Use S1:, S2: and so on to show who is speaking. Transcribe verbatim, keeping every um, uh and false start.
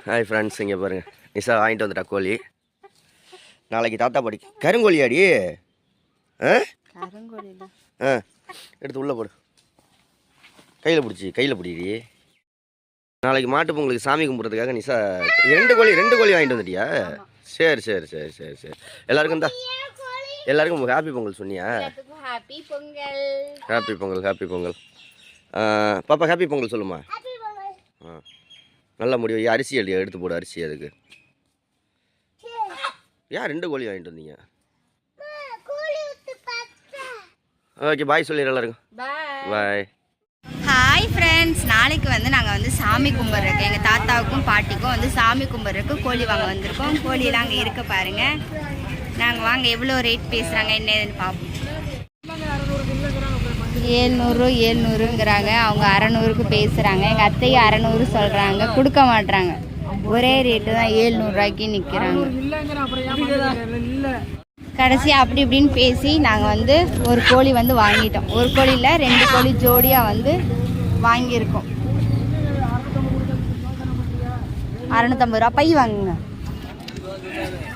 S1: Hi friends, இங்கே பாருங்கள், நிஷா வாங்கிட்டு வந்துட்டா கோழி. நாளைக்கு தாத்தா பாடி கருங்கோழி ஆடி. ஆ ஆ எடுத்து உள்ளே போடு, கையில் பிடிச்சி கையில் பிடிடி. நாளைக்கு மாட்டு பொங்கலுக்கு சாமி கும்பிட்றதுக்காக நிஷா ரெண்டு கோழி ரெண்டு கோழி வாங்கிட்டு வந்துட்டியா? சரி சரி சரி சரி சரி எல்லாருக்கும் தான் எல்லாருக்கும் ஹாப்பி பொங்கல் சொன்னியா?
S2: Happy Pongal
S1: happy Pongal happy Pongal. பாப்பா ஹாப்பி பொங்கல் சொல்லுமா. ஆ நல்ல முடிவு. அரிசி அடி எடுத்து போடு, அரிசி அதுக்கு. ஏன் ரெண்டு கோழி வாங்கிட்டு வந்தீங்க? ஓகே, பாய் சொல்லிடுற எல்லாருக்கும். பாய்.
S2: ஹாய் ஃப்ரெண்ட்ஸ், நாளைக்கு வந்து நாங்கள் வந்து சாமி கும்பிட்றோம். எங்கள் தாத்தாவுக்கும் பாட்டிக்கும் வந்து சாமி கும்பிட்றதுக்கு கோழி வாங்க வந்திருக்கோம். கோழியெல்லாம் அங்கே இருக்க பாருங்கள். நாங்கள் வாங்க எவ்வளோ ரேட் பேசுகிறாங்க என்னதுன்னு பார்ப்போம். ஏழ்நூறு ஏழ்நூறுங்கிறாங்க, அவங்க அறநூறுக்கு பேசுகிறாங்க. எங்கள் அத்தையும் அறநூறு சொல்கிறாங்க, கொடுக்க மாட்றாங்க. ஒரே ரேட்டு தான், ஏழ்நூறுரூவாய்க்கு நிற்கிறாங்க. கடைசி அப்படி இப்படின்னு பேசி நாங்கள் வந்து ஒரு கோழி வந்து வாங்கிட்டோம். ஒரு கோழியில் ரெண்டு கோழி ஜோடியாக வந்து வாங்கியிருக்கோம். அறநூற்றம்பது ரூபா. பை வாங்குங்க.